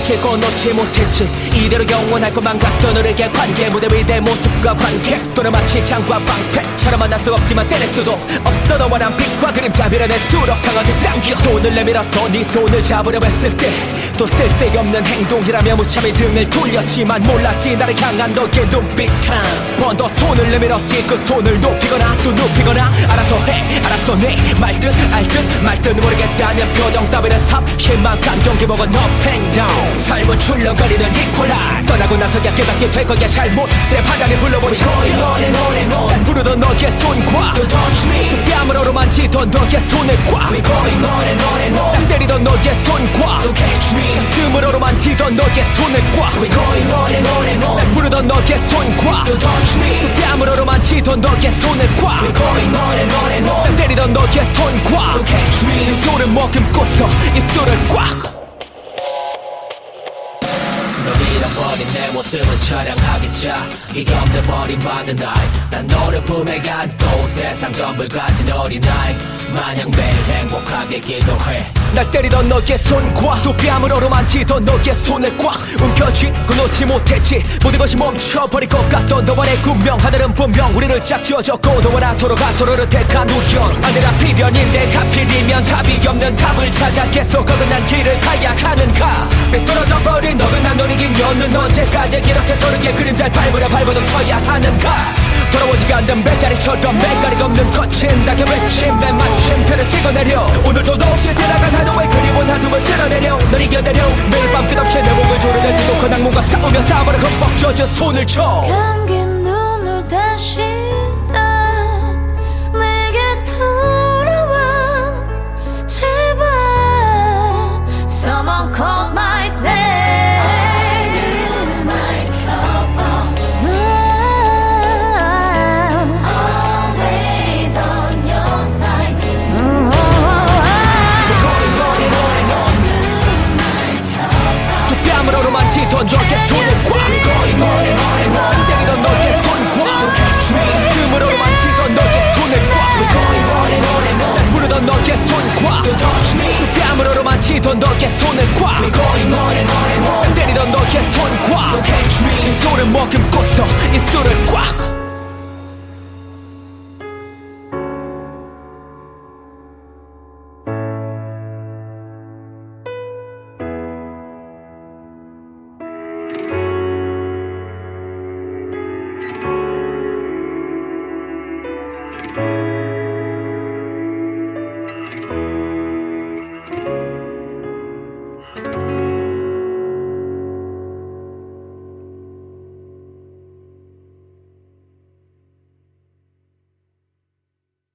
놓치고 놓지 못했지. 이대로 영원할 것만 같던 우리의 관계, 무대 위대 모습과 관객 또는 마치 창과 방패처럼 만날 수 없지만 때릴 수도 없어. 너와 난 빛과 그림자 미련의 수록 강하게 당겨. 손을 내밀어서 네 손을 잡으려 했을 때 또 쓸데없는 행동이라며 무참히 등을 돌렸지만 몰랐지 나를 향한 너의 눈빛. 한 번 더 손을 내밀었지. 그 손을 높이거나 또 눕히거나 알아서 해 알아서 내 말듯 알듯 말듯 모르겠다는 표정 따위는 스탑. 실망 감정 기복은 up and down. 삶은 출렁거리는 이퀄라. 떠나고 나서야 깨닫게 될 거야. 잘못들의 바닥에 불러보니 난 부르던 너의 손과 Don't touch me. 그 뺨으로 만지던 너의 손을 꽉. 난 때리던 너의 손과 Don't catch me. 가슴으로 만지던 너의 손을 꽉. 난 부르던 너의 손과 Don't touch me. 그 뺨으로 만지던 너의 손을 꽉. 난 때리던 너의 손과 Don't catch me. 입술을 머금고서 입술을 꽉. 널 잃어버린 내 모습은 처량하겠자. 이게 없는 버림받은 나이. 난 너를 품에 안고 세상 전부를 가진 어린아이 마냥 매일 행복하게 기도해. 날 때리던 너의 손과 두 뺨으로 만지던 너의 손을 꽉 움켜쥐고 놓지 못했지. 모든 것이 멈춰버릴 것 같던 너와 내 운명. 하늘은 분명 우리를 짝지어졌고 너와 나 서로가 서로를 택한 우연. 아내라 필연인데 하필이면 답이 없는 답을 찾아 계속 어긋난 길을 가야 하는가. 삐뚤어져 버린 너근한 놀이긴 연은 언제까지 이렇게 도르게 그림자를 밟으려 발버둥 쳐야 하는가. 돌아오지가 않는 배다리처럼 맥가리가 없는 거친 낙엽 외침 맨 마침표를 찍어내려. 오늘도 너 없이 지나간 하루의 그리운 한숨을 쓸어내려. 널 이겨내려. 매일 밤 끝없이 내 목을 조르내지도 그 악몽과 싸우며 땀으로 흠뻑 젖은 손을 쳐. 감긴 눈을 다시 내게 돌아와 제발. Someone call my name. 만지던 너의 손을 꽉. 때리던 너의 손과 가슴으로 만지던 너의 손을 꽉. 난 부르던 너의 손과 그 뺨으로 만지던 너의 손을 꽉. 난 때리던 너의 손과 입술을 머금고서 입술을 꽉.